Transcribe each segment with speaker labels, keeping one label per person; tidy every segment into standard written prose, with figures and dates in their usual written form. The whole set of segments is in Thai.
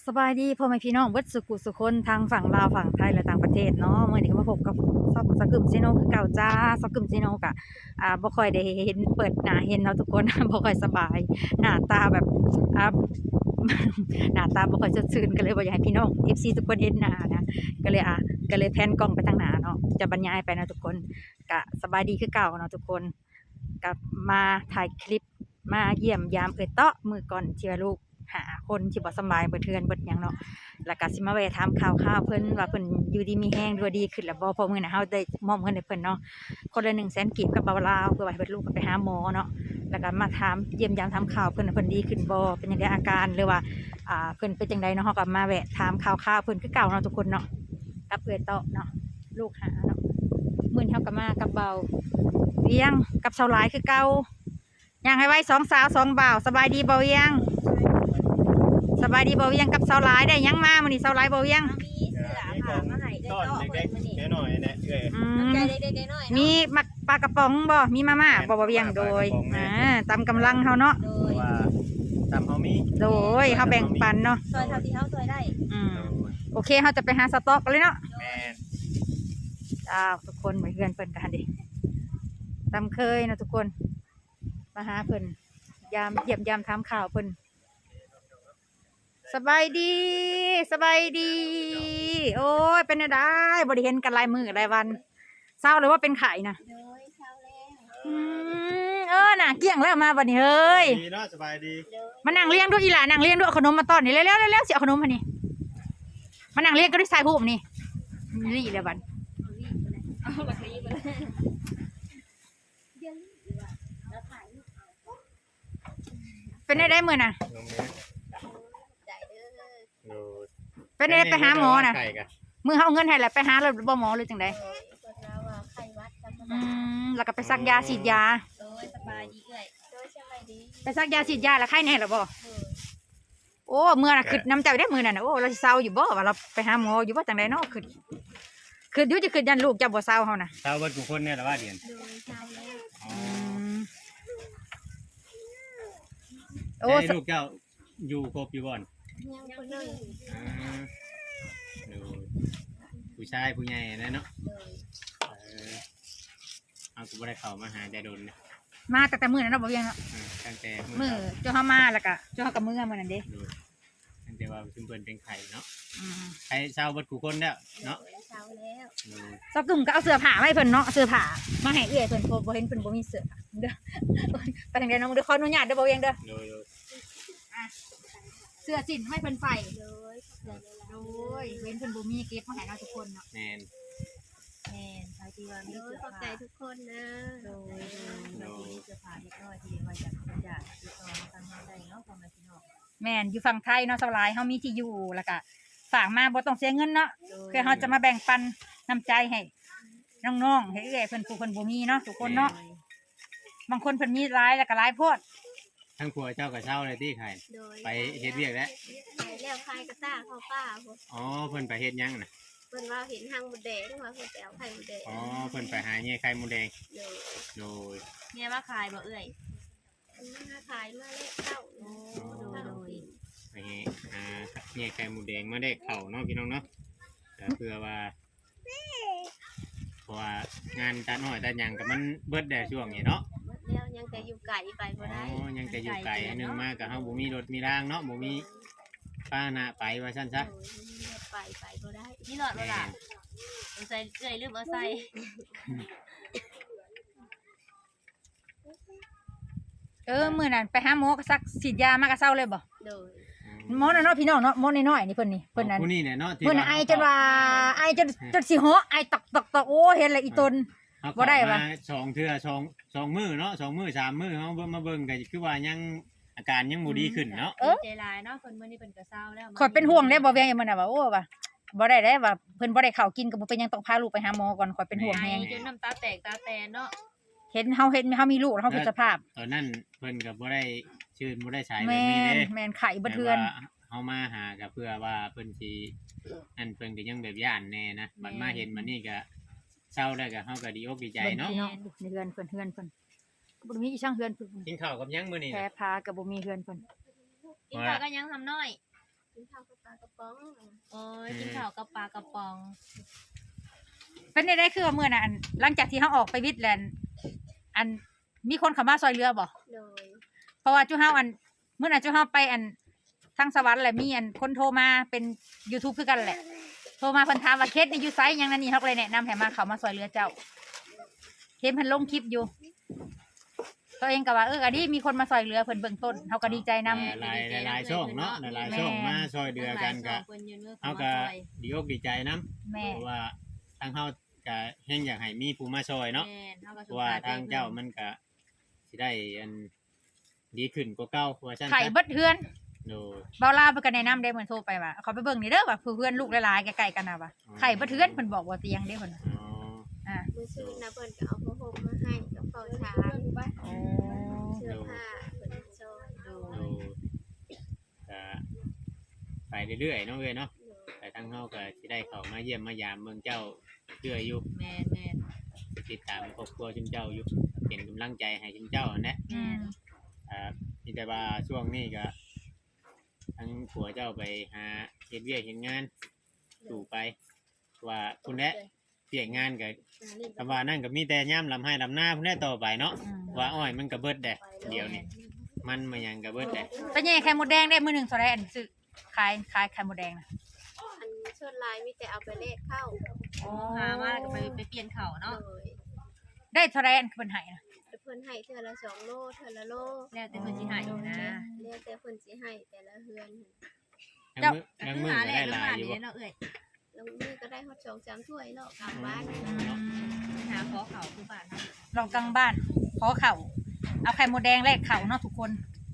Speaker 1: สบายดีพ่อแม่พี่น้องเบิดสุขุสุคนทางฝั่งลาวฝั่งไทยและต่างประเทศเนาะมื้อนี้ก็มาพบกับซอกสกึมซิโนคือเก่าจ้าซอกึมซิโนกะบ่ค่อยได้เห็นเปิดหน้าเห็นเนาะทุกคน บ่ค่อยสบายหน้าตาแบบอ่า หน้าตาบ่ค่อยสดชื่นก็เลยบ่อยากให้พี่น้อง FC ทุกคนเห็นหน้านะก็เลยแพนกล้องไปทางหน้าเนาะจะบรรยายไปนะทุกคนก็สบายดีคือเก่าเนาะทุกคนก็มาถ่ายคลิปมาเยี่ยมยามเตาะมื้อก่อนที่ว่าลูกหาคนที่บ่สำบายเบิดเทือนเบิดหยังเนาะแล้วก็สิมาแวะถามข่าวๆเพิ่นว่าเพิ่นอยู่ดีมีแรงหรือว่าดีขึ้นแล้วบ่เพราะมื้อน่ะเฮาได้มอบเงินให้เพิ่นเนาะคนละ100,000กีบกับบ่าวลาวเพื่อว่าให้เพิ่นลูกไปหาหมอเนาะแล้วก็มาถามเยี่ยมยามถามข่าวเพิ่นว่าเพิ่นดีขึ้นบ่เป็นจังไดอาการหรือว่าเพิ่นเป็นจังไดเนาะเฮาก็มาแวะถามข่าวๆเพิ่นคือเก่าเนาะทุกคนเนาะกับเตาะเนาะลูกหาเนาะมื้อนี้เฮาก็มากับเบาเวียงกับชาวหลายคือเก่าย่างให้ไว้2สาว2บ่าวสบายดีบ่เวียงสบายดีบ่เวียงกับชาวหลายได้หยังมามื้อนี้ชาวหลายบ่เวียง
Speaker 2: มีเสือผ่ามาให้ได้ต่อเพิ่นมื้อนี้
Speaker 3: หน่อยๆนะเอ้ย
Speaker 2: น้ำใจเด็กๆน้อยๆ
Speaker 1: มีมักปลากระป๋องบ่มีมาม่าบ่เวียงโดยตามกำลังเฮาเนาะ
Speaker 2: โด
Speaker 3: เพ
Speaker 2: ย
Speaker 3: ราะว่าตามเฮามี
Speaker 1: โดยเฮาแบ่งปันเนาะ
Speaker 2: ซอยเท่าที่เฮาซอยได้
Speaker 1: โอเคเฮาจะไปหาสต๊อกกันเลยเนาะ
Speaker 3: แม่น
Speaker 1: ทุกคนเหมือนเพื่อนเพิ่นกันดิตามเคยนะทุกคนมาหาเพิ่นยามเยี่ยมยามถามข่าวเพิ่นสบายดีสบายดี โอ้ยเป็นจังได๋บ่ได้เห็นกันหลายมื้อหลายวันเศร้าเลยว่าเป็นไข้นะ
Speaker 2: โดยเช้าแล้ว
Speaker 1: น่ะเกลี้ยงแล้วมาบัดนี้เฮ้ย
Speaker 3: ดีเนาะสบายดี
Speaker 2: โดย
Speaker 1: มานั่งเลี้ยงด้วยอีหล่านั่งเลี้ยงด้วยเอาขนมมาต้อนนี่เร็วๆเร็วๆสิเอาขนมมานี่มานั่งเลี้ยงก็ด้วยสายหูมนี่นี่เลยบัด
Speaker 2: เอาบัตรนี้ไปเลยเดี๋ยวนี้ดีกว่าแล้วถ่ายรูปเอา
Speaker 1: เป็นได้มื้อน่ะ
Speaker 3: ลงเนี้ย
Speaker 2: ใจเด้อ
Speaker 3: โอ้
Speaker 1: เป็นได้ไปหาหมอน่ะ
Speaker 3: ไข่กะ
Speaker 1: มื้อเฮาเอาเงินให้แล้วไปหาแล้วบ่หมอหรือจังได๋
Speaker 2: โดยคนเราว่าไข้หวัดธรรม
Speaker 1: อื
Speaker 2: ดาม
Speaker 1: แล้วก็ไปซักยาฉีดยา
Speaker 2: โดยสบายดีเอ้ยโดยสบายดี
Speaker 1: ไปซักยาฉีดยาแล้วไข้แน่แล้วบ่
Speaker 2: โดย
Speaker 1: โอ้มื้อน่ะคิดน้ำใจได้มื้อนั้นน่ะโอ้เราสิเศร้าอยู่บ่ว่าเราไปหาหมออยู่บ่จังไดเนาะคิดอยู่จะคิดยันลูกจะบ่เศร้าเฮาน่ะ
Speaker 3: ชาวบ้านทุกคนเนี่ยแหละว่าเดียน
Speaker 2: โดยเช้าแล้ว
Speaker 3: อ๋อ
Speaker 1: โอ้
Speaker 3: ให้ลูกเจ้าอยู่ครบอยู่บ่อน
Speaker 2: ยังคนหนึง
Speaker 3: อ่าดูผู้ชายผู้ใหญ่นะเนาะ
Speaker 2: โดย
Speaker 3: เอากูบ่ได้เข้ามาหาแต่โดนนะ
Speaker 1: มาแต่มื้อนั้นเนาะบ่เวียงเนาะ
Speaker 3: ตั้งแต่
Speaker 1: มื้อเจ้าเฮามาแล้วก็เจ้าเฮาก็มื้อมื้อนั้นเด้
Speaker 3: ดูตั้งแต่ว่าชุมเพิ่นเป็นไข่เนาะ
Speaker 1: อืม
Speaker 3: ไข่ชาวบ้านทุกคนแล้วเนาะ
Speaker 2: โดยเช้าแล้ว
Speaker 3: ดู
Speaker 1: ซอกกึ่มก็เอาเสื้อผ้ามาให้เพิ่นเนาะเสื้อผ้ามาให้เอื้อยเพิ่นบ่เห็นเพิ่นบ่มีเสื้อเด้อไปทางใดเนาะเด้อขออนุญาตเด้อบ่เวียงเด้อ
Speaker 3: ดู
Speaker 1: เสื้อจิ้นให้เพิ่นใส่
Speaker 2: โดยเสือเลยล่ะ
Speaker 1: โอ้ยเว้นเพิ่นบ่มีเก็บมาให้เราทุกคนเนาะ
Speaker 3: แม่น
Speaker 1: แม่นใส่ที่ว่ามี
Speaker 2: โดย
Speaker 1: เสื้อ
Speaker 2: ขอบใจ
Speaker 1: ผ้า
Speaker 2: ทุกคนนะ
Speaker 1: โดยมีเสื้อผ้าเล็กน้อยที่ว่าจากคนจากติดต่อมาทางเฮาได้เนาะพ่อแม่พี่น้องแม่นอยู่ฝั่งไทยเนาะสลายเฮามีที่อยู่แล้วก็ฝากมาบ่ต้องเสียเงินเนาะคือเฮาจะมาแบ่งปันน้ำใจให้น้องๆให้เอื้อยเพิ่นผู้เพิ่นบ่มีเนาะทุกคนเนาะบางคนเพิ่นมีหลายแล้วก็หลายโพด
Speaker 3: ทั้งผัวเจ้ากับเช่าเลยที่ไข่
Speaker 2: โดย
Speaker 3: ไปเฮ็ดเวียกแล้ว
Speaker 2: แล้วใครก็ซ่าเข้าป้าพวก
Speaker 3: อ๋อเพิ่นไปเฮ็ดหยังน่ะ
Speaker 2: เพิ่นว่าเห็นทางหมดแดงว่าเพิ่นจะเอาไข่หมดแดง
Speaker 3: อ๋อเพิ่นไปหาเงี้ยไข่มดแดง
Speaker 2: โดย
Speaker 3: โดย
Speaker 4: เนี่ยว่าขายบ่เอ่ย
Speaker 2: อันนี้มาขายมาเลขเข้าโอ้โดย
Speaker 3: ไปหาเงี้ยไข่มดแดงมาได้เข้าเนาะพี่น้องเนาะแต่เพื่อว่าเพราะว่างานตัดน้อยตัดหยังก็มันเบิดได้ช่วงนี้เนาะ
Speaker 2: หมดแล้วยังแต่อยู่ไก่ไป
Speaker 3: อ๋
Speaker 2: บ่ได้
Speaker 3: อยังจะอยู่ไกลอันหนึงมากก็เฮาบ่มีรถมีรางเนาะบ่มีป้าหน้าไปว่าซั่นซะ
Speaker 2: ไปบ่ได้
Speaker 4: นี่หลอดเวลาสงสัยเอ่ยลืมเอาใส่
Speaker 1: มื้อนั้นไปหาหมอก็ซักฉีดยามาก็เซาเลยบ่
Speaker 2: โดย
Speaker 1: หมอน่ะเนาะพี่น้องเนาะหมอน้อยๆนี่เพิ่นนี่เพิ่นนั้น
Speaker 3: ผู้นี้เนี่ยเนาะที่
Speaker 1: เพิ่นน่ะไอจนว่าไอจนสิเหาะไอตอกโอ้เห็นแล้วอีตน
Speaker 3: เฮา
Speaker 1: บ่ได้วะ
Speaker 3: มาสองเทื่อสองมื้อเนาะสองมื้อสามมื้อเฮาเบิ่งมาเบิ่งก็คือว่ายังอาการยังบ่ดีขึ้นเนาะ
Speaker 4: ใจลายเนาะคนมื้อนี้เพิ่นก็เศร้าแล้ว
Speaker 1: ข่อยเป็นห่วงได้บ่แวงมันน่ะว่าโอ้ว่าบ่ได้ว่าเพิ่นบ่ได้ข้าวกินก็บ่เป็นหยังต้องพาลูกไปหาหมอก่อนข่อยเป็นห่วง
Speaker 4: ไอ
Speaker 1: แฮง
Speaker 4: จนน้ำตาแตกตาแตนเนาะ
Speaker 1: เห็นเฮามีลูกแล้วเฮาคิดสภาพ
Speaker 3: ตอนนั้นเพิ่นก็บ่ได้ชื่นบ่ได้ใช้แบบ
Speaker 1: แม่
Speaker 3: นี้
Speaker 1: น
Speaker 3: เด้
Speaker 1: แม่นไข่บ่เทือน
Speaker 3: แต่ว่าเฮามาหาก็เพื่อว่าเพิ่นสิอันเพิ่นก็ยังแบบย่านแน่นะบัดมาเห็นบัดนี้ก็เศร้าแล้วก็เฮาก็ดีอกดีใจเนาะ
Speaker 1: พี่น้องในเฮือนเพิ่นบ่มีอีช่างเฮือนเพิ่น
Speaker 3: กินข้าวกับหยังมื้อนี้
Speaker 1: แพ้
Speaker 3: น่ะ
Speaker 1: พาก็บ่มีเฮือนเพิ่น
Speaker 4: กินข้าวก็ยังทำน้อย
Speaker 2: กินข้าวกับปลากระป๋อง
Speaker 4: โอ้ยกินข้าวกับปลากระป๋อง
Speaker 1: เป็นได้คือว่ามื้อน่ะอันหลังจากที่เฮาออกไปวิทย์แลนด์อันมีคนเข้ามาซอยเรือบ่
Speaker 2: โดย
Speaker 1: เพราะว่าจุเฮาอันมื้อน่ะจุเฮาไปอันทางสวรรค์แหละมีอันคนโทรมาเป็น YouTube คือกันแหละ โทรมาเพิ่นถามว่าเคสนี่อยู่ไสหยังนั่นนี่เฮาก็เลยแนะนำให้มาเข้ามาซอยเรือเจ้าเห็นเพิ่นลงคลิปอยู่ ตัวเองก็ว่าก็ดีมีคนมาซอยเรือเพิ่นเบื้องต้นเฮาก็ดีใจนำ
Speaker 3: หลายช่องเนาะหลายช่องมาช่วยเดือกันก็
Speaker 4: เพิ่นยืนมือ
Speaker 3: เฮา
Speaker 4: เข้า
Speaker 3: ก็
Speaker 4: มาซอย
Speaker 3: ดีอกดีใจนํ
Speaker 1: แม่
Speaker 3: เพราะว่าทางเฮาก็แฮงอยากให้มีผู้มาช่วยเนาะ
Speaker 4: แม่เฮาก็
Speaker 3: เพ
Speaker 4: สง
Speaker 3: ราะว่า
Speaker 4: สาร
Speaker 3: ทางเจ้ามันก็สิได้อันดีขึ้นกว่าเก่าว่าซั่น
Speaker 1: ไข่เบิดเฮือน
Speaker 3: โดย
Speaker 1: เบาลาวเพิ่นก็แนะนำได้เหมือนโทรไปว่าเขาไปเบิ่งนี่เด้อว่าเพื่อนลูกหลายๆใกล้ๆกันน่ะว่าไข่เบิดเฮือนเพิ่นบอกว่าเตียงเด้เพิ่นว่า
Speaker 3: อ๋อ
Speaker 1: อ่า
Speaker 2: มื้อซื้อนะเพิ่นก็เอาผ้าห่มมาให้กับข้าวสาร
Speaker 1: โอ้
Speaker 2: เสื้อผ้าเพิ่นซอย
Speaker 4: โด
Speaker 3: โด
Speaker 4: ย
Speaker 3: ยก็ไปเรื่อยๆเนาะเว้ยเนาะ
Speaker 2: โดย
Speaker 3: แต่ทางเฮาก็สิได้เข้ามาเยี่ยมมายามเมืองเจ้าเรื่อยอยู่
Speaker 4: แม่น
Speaker 3: ติดตามครอบครัวชุมเจ้าอยู่เป็นกำลังใจให้ชุมเจ้านั่นแหละ
Speaker 1: อืม
Speaker 3: มีแต่ว่าช่วงนี้ก็ทั้งผัวเจ้าไปหาเฮ็ดเวียกเฮ็ดงานสู่ไป ว่าคุณแหละเปียกงานก็คำว่านั่นก็มีแต่ย่ำลำให้ลำหน้าพุ่นแหละต่อไปเนาะ
Speaker 1: อืม
Speaker 3: ว่าอ้อยมันก็เบิดแดดเดี๋ยวนี้มันมาหยังก็เบิดแดด
Speaker 1: ไปแย่ไข่มดแดงได้มื้อหนึงเท่าไหร่อันซื้อขายไข่มดแดงน่ะ
Speaker 2: อันชดลายมีแต่เอาไปเลขเข้า
Speaker 4: โอ้หามาแล้วก็ไปเปลี่ยนเขาเนาะ
Speaker 2: โดย
Speaker 1: ได้เท่าไหร่อันเพิ่นให้น่ะ
Speaker 2: เพิ่นให้เทื่อละ2โลเทื่อละโล
Speaker 4: แล้วแต่เพิ่นสิให้นะ
Speaker 2: แล้วแต่เพิ่นสิให้แต่ละเฮือน
Speaker 3: ทั้งมือก็ได้หลายอยู่บ่
Speaker 4: เนาะเอ้ย
Speaker 2: แล้วมื้อก็ได้ฮอด2-3ถ้วยเนาะกลับบ้าน
Speaker 4: หาขอเขาคือบ้านเนาะ
Speaker 1: ลองกลางบ้านขอเข่าเอาไข่มดแดงแลกเข่าเนาะทุกคน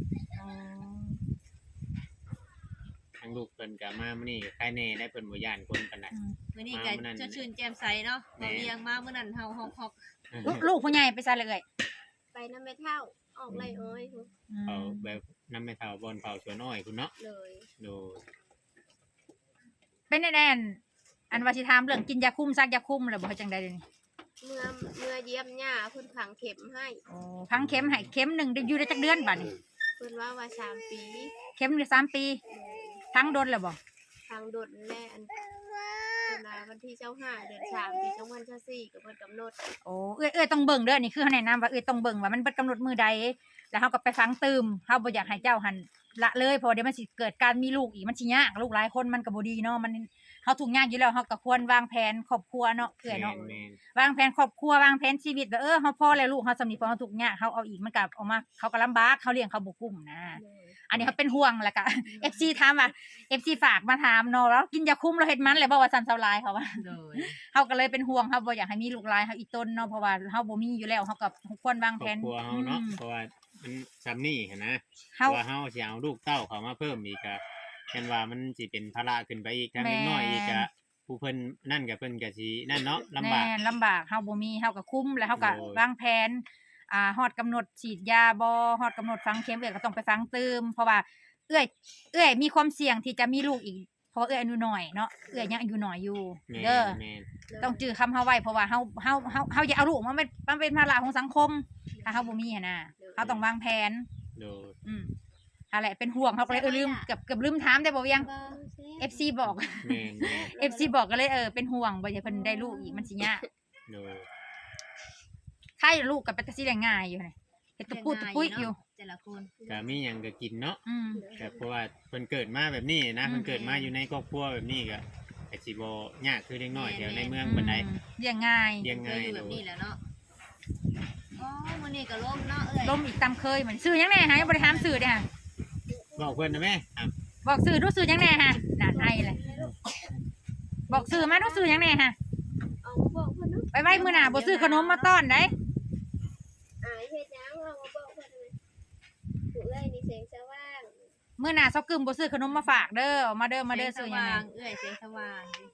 Speaker 3: ทั้งลูกเพิ่นก็มามื้อนี้ก็ใครแน่ได้เพิ่นบ่ย่านคนปานใด
Speaker 1: อืม
Speaker 4: มื้อนี้ก็จะชื่นแจ่มใสเนาะบ่เวียงมามื้อนั้นเฮาฮอก
Speaker 1: ลูกผู้ใหญ่ไปซะเลย
Speaker 2: ไปนำแม่เฒ่าออกไร่อ้อยพุ่น
Speaker 1: อืม
Speaker 3: เผาแบบน้ำไม่เท่าบอนเผาสวนอ้อยคุณเนาะ
Speaker 2: เลย
Speaker 3: โดย
Speaker 1: เป็นแน่ๆอันว่าสิถามเรื่องกินยาคุมซักยาคุมแล้วบ่เฮ็ดจังได๋เดี๋ยวนี้
Speaker 2: เมื่อเยี่ยมย่าเพิ่นฝังเข็มให้
Speaker 1: โอ้พังเข็มให้เข็มหนึงได้อยู่ได้จักเดือนบัดนี้
Speaker 2: เพิ่นว่า3 ปี
Speaker 1: เข็มได้3 ปีทั้งโดนแล้วบ่
Speaker 2: ทางดดแล่อันเพิ่นว่าวันที่25เดือน3ปี2024ก็เพิ่นกำหนด
Speaker 1: โอ้เอ้ยต้องเบิ่งเด้อนี่คือเขาแนะนำว่าต้องเบิ่งว่ามันเบิดกำหนดมื้อใดแล้วเฮาก็ไปฟังตืมเฮาบ่อยากให้เจ้าหันละเลยเพราะเดี๋ยวมันสิเกิดการมีลูกอีกมันสิยากลูกหลายคนมันก็บ่ดีเนาะมันเฮาทุกข์ยากอยู่แล้วเฮาก็ควรวางแผนครอบครัวเนาะเอื้อยเนาะ
Speaker 3: แม่น
Speaker 1: วางแผนครอบครัววางแผนชีวิตว่าเฮาพอแล้วลูกเฮาสำนีพอเฮาทุกข์ยากเฮาเอาอีกมันก็ออกมาเขาก็ลำบากเขาเลี้ยงเขาบ่กุ้มนะ
Speaker 2: เลย
Speaker 1: อันนี้เขาเป็นห่วงแล้วก็ FC ถามว่า FC ฝากมาถามเนาะแล้วกินยาคุมแล้วเฮ็ดมันเลยบ่ว่าซั่นเซาลายเขาว่า
Speaker 4: โดย
Speaker 1: เฮาก็เลยเป็นห่วงเฮาบ่อยากให้มีลูกหลายเฮาอีกต้นเนาะเพราะว่าเฮาบ่มีอยู่แล้วเฮาก็ควรวาง
Speaker 3: ค
Speaker 1: แผ
Speaker 3: รอบ
Speaker 1: น
Speaker 3: ครัวเฮาเนาะเพราะว่ามันซ้ำนี่หั้นนะ
Speaker 1: เฮา
Speaker 3: ว่าเฮาสิเอาลูกเต้าเข้ามาเพิ่มอีกก็แม่นว่ามันสิเป็นภาระขึ้นไปอีกทั้ง
Speaker 1: แม่
Speaker 3: เล็กน้อยอีกก็ผู้เพิ่นนั่นก็เพิ่นก็สินั่นเนาะลำบาก
Speaker 1: แม่นลำบากเฮาบ่มีเฮาก็คุ้มแล้วเฮาก็
Speaker 3: โอ้ย
Speaker 1: วางแผนฮอดกำหนดฉีดยาบ่ฮอดกำหนดฝังเข็มก็ต้องไปฝังเติมเพราะว่าเอื้อยมีความเสี่ยงที่จะมีลูกอีกเพราะเอื้อยอายุน้อยเนาะเอื้อยยังอายุน้อยอยู่
Speaker 3: แม่น
Speaker 1: เด้อ
Speaker 3: แม่น
Speaker 1: ต้องจื้อคำเฮาไว้เพราะว่าเฮาอย่าเอาลูกมาเป็นภาระของสังคมถ้าเฮาบ่มีหันน่ะเฮาต้องวางแผน
Speaker 3: โดย
Speaker 1: อะไรเป็นห่วงเฮาก็เลยลืมเกือบลืมถามได้บ่เวียง FC บอก
Speaker 3: แม่นแม่น
Speaker 1: FC บอกก็เลยเป็นห่วงบ่อยากให้เพิ่นได้ลูกอีกมันสิยาก
Speaker 3: โดย
Speaker 1: ใครลูกก็เป็นตาสิได้ง่ายอยู่นี่เฮ็ดตะปูตะปุ้ยอยู่
Speaker 4: แต่ละคน
Speaker 3: ก็มีหยังก็กินเนาะ
Speaker 1: อืม
Speaker 3: ก็เพราะว่าเพิ่นเกิดมาแบบนี้นะ
Speaker 1: อืม
Speaker 3: เพิ่นเกิดมาอยู่ในครอบครัวแบบนี้ก็สิบ่ยากคือเด็กน้อยแถวในเมืองปานใด
Speaker 1: เลี้ยงง่าย
Speaker 3: เลี้ยง
Speaker 4: เคย
Speaker 3: ง่าย
Speaker 4: อยู่
Speaker 3: โด
Speaker 4: แบบ
Speaker 3: ย
Speaker 4: นี้แหล้วเนาะอ๋อมื้อนี้ก็ล่มเนาะเอ้ย
Speaker 1: ลมอีกตามเคยเหมือนซื้อหยังแน่ฮะยังบ่ได้ถามซื้อเด้อฮะ
Speaker 3: บอกเพิ่นนะแม่อ่ะ
Speaker 1: บอกซื้อดูซื้อหยังแน่ฮะน่าไอเลยบอกซื้อมาดูซื้อหยังแน่ฮะ
Speaker 2: เอามาบอกเพิ่นเนาะ
Speaker 1: ไปไว้มื้อหน้าบ่ซื้อขนมมาต้อนได้
Speaker 2: อายเฮ็ดหยังเอามาบอกเพิ่นเลยผู้เอ้ยนี่แสงสว่าง
Speaker 1: มื้อหน้าซอกกึมบ่ซื้อขนมมาฝากเด้อเอามาเด้อมาเด้อซื้อหยัง
Speaker 4: แส
Speaker 1: แน่
Speaker 4: งสว่างเอ้ยแสงสว่าง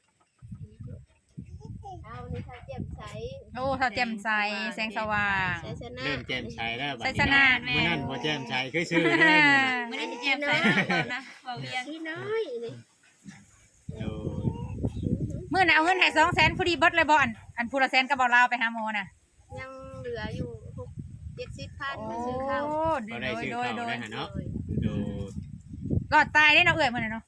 Speaker 2: เอานี่ถ้าเจ็บใส
Speaker 1: โอ้ถ้าแจ่มใสแสงสว่าง
Speaker 2: ใสชนะ
Speaker 3: เริ่มแจ่มใสแล้วบัด
Speaker 1: ใส่
Speaker 3: นี้
Speaker 1: ชนะ
Speaker 3: เมื่อนั้นบ่แจ่มใสคือชื่อเลย
Speaker 4: มื้อนี้สิแจ่มใสแล้วนะบ่เวียง
Speaker 2: พี่น้อยนี่
Speaker 3: โดย
Speaker 1: มื้อน่ะเอาเงินให้200,000พอดีเบิดเลยบ่อันผู้ละแสนก็บ่ลาวไปหาหมอน่ะ
Speaker 2: ยังเหลืออยู่6-70,000มาซื้อข้าว
Speaker 3: ก็ได้ชื่อเขาได้หั่นเนาะ
Speaker 2: เลย
Speaker 3: โดย
Speaker 1: รอดตายได้เนาะเอ้ยมื้อนั้นเนาะ
Speaker 2: เลย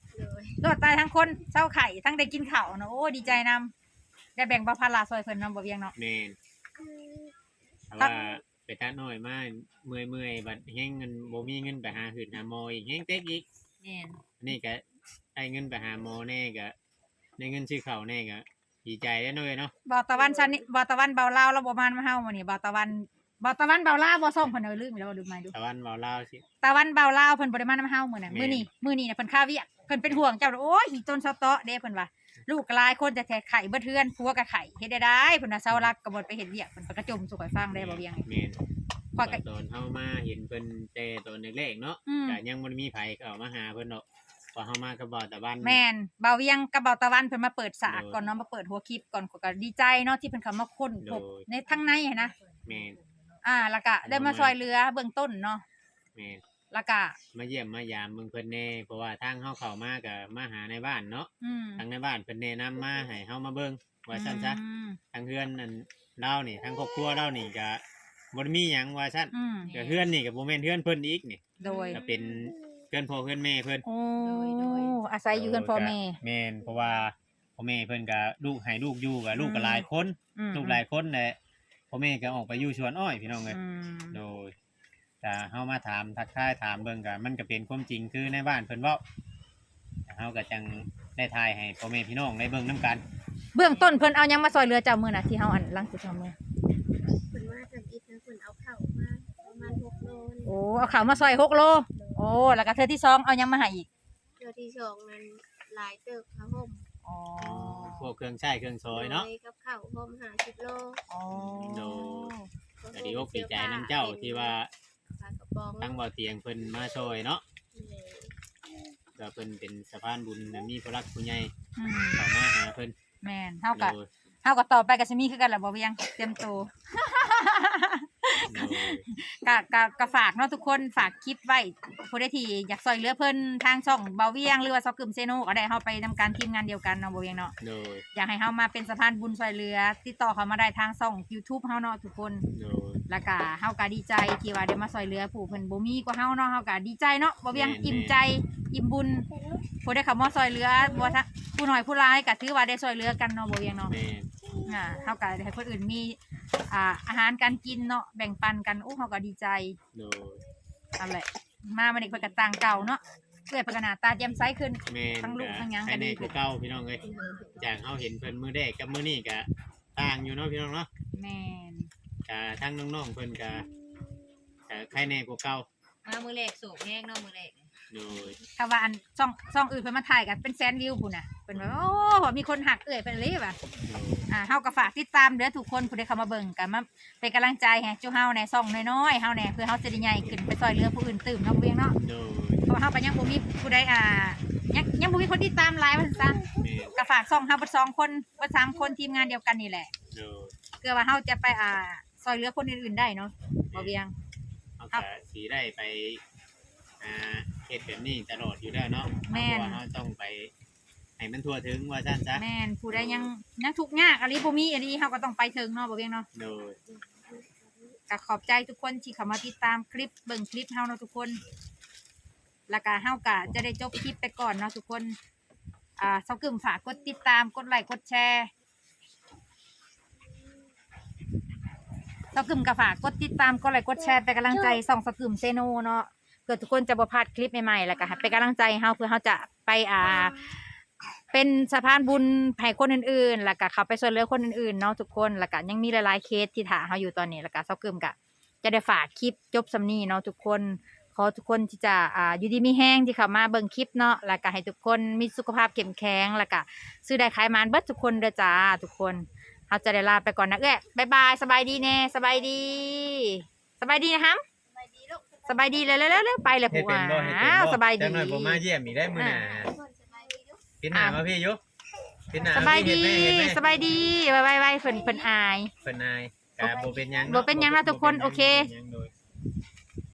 Speaker 1: รอดตายทั้งคนเศร้าไข่ทั้งได้กินข้าวเนาะโอ้ดีใจนำได้แบ่งเบาภาระซอยเพิ่นนำบ่เวียงเนาะ
Speaker 3: แม่นแต่ว่าไปตัดน้อยมาเมื่อยบัดแฮงเงินบ่มีเงินไปหาหืดหาหมออีกแฮงเต็กอีก
Speaker 4: แม่น
Speaker 3: นี่ก็ได้เงินไปหาหมอแน่ก็ได้เงินซื้อข้าวแน่ก็ดีใจแล้วเนาะเนาะ
Speaker 1: บ่ตะวันชันนี่บ่ตะวันเบาลาวแล้วบ่มานมาเฮามื้อนี้บ่ตะวันเบาลาวบ่ส่งเพิ่นเอาลืมอีกแล้วลืมมาดู
Speaker 3: ตะวันเว้าลาวสิ
Speaker 1: ตะวันเบาลาวเพิ่นบ่ได้มานำเฮามื้อน่ะ
Speaker 3: แม่น
Speaker 1: มื้อนี้น่ะเพิ่นค่าเวียกเพิ่นเป็นห่วงเจ้าโอ้ยอีต้นเซาเตาะเด้เพิ่นว่าลูกก็หลายคนแต่แท้ไข่เบิดเทือนผัวก็ไข่เฮ็ดได้เพิ่นว่าเซารักก็บ่ไปเฮ็ดเวียกเพิ่นก็จมสู่ข่อยฟังได้บ่เวียง
Speaker 3: แม่น
Speaker 1: ข้อยก็
Speaker 3: ตอนเฮามาเห็นเพิ่นแต่ตอนแรกๆเนาะ
Speaker 1: อืม
Speaker 3: ก็ยังบ่ได้มีไผเข้ามาหาเพิ่นดอกพอเฮามาก็บ่ตะวัน
Speaker 1: แม่นเบาเวียงกับเบาตะวันเพิ่นมาเปิดสาก
Speaker 3: โดย
Speaker 1: ก่อนเนาะมาเปิดหัวคลิปก่อนข้อยก็ดีใจเนาะที่เพิ่นเข้ามาค้นพบ
Speaker 3: โดย
Speaker 1: ในทั้งในหั้นนะ
Speaker 3: แม่น
Speaker 1: แล้วก็ได้มาช่วยเหลือเบื้องต้นเนาะ
Speaker 3: แม่น
Speaker 1: แล้วก็
Speaker 3: มาเยี่ยมมายามเมืองเพิ่นแน่เพราะว่าทางเฮาเข้ามาก็มาหาในบ้านเนาะ
Speaker 1: อืม
Speaker 3: ทางในบ้านเพิ่นแนะนำมาให้เฮามาเบิ่งว่าซั่นซะ
Speaker 1: อืม
Speaker 3: ทางเฮือนนั่นเรานี่ทางครอบครัวเรานี่ก็บ่ได้มีหยังว่าซั่น
Speaker 1: อืม
Speaker 3: ก็เฮือนนี่ก็บ่แม่นเฮือนเพิ่นอีกนี่
Speaker 1: โดย
Speaker 3: ก็เป็นเฮือนพ่อเฮือนแม่เพิ่น
Speaker 1: โอ้อาศัยอยู่กันพ่อแม่
Speaker 3: แม่นเพราะว่าพ่อแม่เพิ่นก็ลูกให้ลูกอยู่ก็ลูกก็หลายคน
Speaker 1: อืม
Speaker 3: ลูกหลายคนแหละพ่อแม่ก็ออกไปอยู่สวนอ้อยพี่น้องเอ้ย
Speaker 1: อืม
Speaker 3: โดยถ้าเฮามาถามทักทายถามเบิ่งก็มันก็เป็นความจริงคือในบ้านเพิ่นเว้าเฮาก็จังได้ทายให้พ่อแม่พี่น้องได้เบิ่งนํกัน
Speaker 1: เบื้องต้นเพิ่นเอาหยังมาซอยเหลือเจ้ามื้อน่ะที่เฮาอันหลังสิทำมื้อ
Speaker 2: เพิ่นมาทำอีกนะเพิ่นเอาข้าวมาประมาณ6โลนี่
Speaker 1: โอ้เอาข้าวมาซอย6 โลโอ้แล้วก็เทื่อที่สองเอาหยังมาให้อีก
Speaker 2: เทื่อที่สองนั้นหลายเติบผ้าห่ม
Speaker 1: อ๋อ
Speaker 3: พวกเครื่องใช้เครื่องซอยเนาะ
Speaker 2: โดกับข้าวห่ม50โล
Speaker 1: อ๋อ
Speaker 3: โด ก็ดีอกดีใจนํเจ้าที่ว่า
Speaker 2: ปลากระป๋อง
Speaker 3: ทั้งบ่เตียงเพิ่นมาช่วยเนาะ
Speaker 2: แม่
Speaker 3: ก็เพิ่นเป็นสะพานบุญและมีผู้รักผู้ใหญ่
Speaker 1: อืม
Speaker 3: เข้ามาหาเพิ่น
Speaker 1: แม่นเฮา
Speaker 3: โด
Speaker 1: ก็
Speaker 3: ย
Speaker 1: เฮาก็ต่อไปก็สิมีคือกันล่ะบ่เวียงเตรียมตัว
Speaker 3: โดย
Speaker 1: ก็ฝากเนาะทุกคนฝากคลิปไว้ผู้ใดที่อยากซอยเหลือเพิ่นทางช่องเบาเวียงหรือว่าซอกกึมเซโนก็ได้เฮาไปทำการทีมงานเดียวกันเนาะบ่เวียงเนาะ
Speaker 3: โดย
Speaker 1: อยากให้เฮามาเป็นสะพานบุญซอยเหลือ ติดต่อเข้ามาได้ทางช่อง YouTube เฮาเนาะทุกคน
Speaker 3: โดย
Speaker 1: แล้วก็เฮาก็ดีใจที่ว่าได้มาซอยเหลือผู้เพิ่นบ่มีกว่าเฮาเนาะเฮาก็ดีใจเนาะบ่เวียง
Speaker 3: แม่น
Speaker 1: อิ่มใจอิ่มบุญผู้ได้เข้ามาซอยเหลือบ่ทักผู้น้อยผู้หลายก็ถือว่าได้ซอยเหลือกันเนาะบ่เวียงเนาะ
Speaker 3: แม่น
Speaker 1: เฮาก็ให้คนอื่นมีอาหารการกินเนาะแบ่งปันกันโอ้เฮาก็ดีใจ
Speaker 3: โดย
Speaker 1: นั่นแหละมามันอีกเพิ่นก็ต่างเก่าเนาะเอื้อยเพิ่นก็หน้าตาแจ่มใสขึ้น
Speaker 3: แม่น
Speaker 1: ทั้งลูกทั้งหยังก็
Speaker 3: ภายใน
Speaker 1: ดีขึ้
Speaker 3: กู
Speaker 1: น
Speaker 3: เก่าพี่น้องเอ้ยจากเฮาเห็นเพิ่นมื้อแรกกับมื้อนี้ก็ต่างอยู่เนาะพี่น้องเนาะ
Speaker 1: แม่น
Speaker 3: ก็ทั้งน้องๆเพิ่นก็ใครแน่กูเก่า
Speaker 4: มามื้อแรกโศกแห้งเนาะมื้อแรก
Speaker 3: โดย
Speaker 1: ถ้าว่าอันช่องอื่นเพิ่นมาถ่ายกันเป็นแสนวิวพุ่นน่ะเพิ่นว่าโอ้มีคนหักเอื้อยเพิ่นเลยว่ะ
Speaker 3: โดย
Speaker 1: เฮาก็ฝากติดตามเด้อทุกคนผู้ใดเข้ามาเบิ่งกันมาเป็นกำลังใจให้จุเฮาแหน่ช่องน้อยๆเฮาแหน่เพื่อเฮาจะได้ใหญ่ขึ้นไปซอยเหลือผู้อื่นตื่มเนาะเวียงเนาะ
Speaker 3: โดย
Speaker 1: เพราะว่าเฮาก็ยังบ่มีผู้ใดยังบ่มีคนติดตามหลายว่าซั่น
Speaker 3: แม่น
Speaker 1: ก็ฝากช่องเฮาเบิด2คนเบิด3คนทีมงานเดียวกันนี่แหละ
Speaker 3: โดย
Speaker 1: เพื่อว่าเฮาจะไปซอยเหลือคนอื่นๆได้เนาะบ่เวียง
Speaker 3: เฮาก็สิได้ไปเฮ็ดแบบนี้ตลอดอยู่แล้วเนาะ
Speaker 1: แม่น
Speaker 3: เพราะว่าเฮาต้องไปให้มันทั่วถึงว่าซั่นซะ
Speaker 1: แม่นผู้ใดยังทุกข์ยากอะไรบ่มีอันนี้เฮาก็ต้องไปถึงเนาะบ่เวียงเนาะ
Speaker 3: โดย
Speaker 1: ก็ขอบใจทุกคนที่เข้ามาติดตามคลิปเบิ่งคลิปเฮาเนาะทุกคน แล้วก็เฮาก็จะได้จบคลิปไปก่อนเนาะทุกคนเซากึมฝากกดติดตามกดไลค์กดแชร์เซากึมก็ฝากกดติดตามกดไลค์กดแชร์เป็นกำลังใจส่องเซากึมเซโนเนาะเพื่อทุกคนจะบ่พลาดคลิปใหม่ๆแล้วก็ให้เป็นกำลังใจให้เฮาเพื่อเฮาจะไปเป็นสะพานบุญให้คนอื่นๆแล้วก็เข้าไปช่วยเหลือคนอื่นๆเนาะทุกคนแล้วก็ยังมีหลายๆเคสที่ถ่าเฮาอยู่ตอนนี้แล้วก็เซากึมก็จะได้ฝากคลิปจบสำนี้เนาะทุกคนขอทุกคนที่จะอยู่ดีมีแห้งที่เข้ามาเบิ่งคลิปเนาะแล้วก็ให้ทุกคนมีสุขภาพเข้มแข็งแล้วก็ซื้อได้ขายมานเบิดทุกคนเด้อจ้าทุกคนเฮาจะได้ลาไปก่อนนะบ๊ายบายสบายดีแน่สบายดีสบายดีนะครับ
Speaker 2: สบายดีลูก
Speaker 1: สบายดีเลยๆๆไปเลย
Speaker 3: เฮ็ด
Speaker 1: ผัว
Speaker 3: เป็นบ่เฮ็ดเป็น
Speaker 1: อ้าว
Speaker 3: บ่
Speaker 1: สบายดี
Speaker 3: จังหน่อยบ่มาเยี่ยมอีกได้มื้อหน้า
Speaker 2: ทุกคนสบายดีลูก
Speaker 3: ปิดหน้ามาพี่อยู่ปิดหน้า
Speaker 1: สบายดี
Speaker 3: เฮ็ไหม
Speaker 1: สบายดีไว้ๆเพิ่นอาย
Speaker 3: เพิ่นนายก็บ่เป็นหยัง
Speaker 1: บ่เป็นหยังนะทุกคนโอเค
Speaker 3: บ่เป็นหยังโดย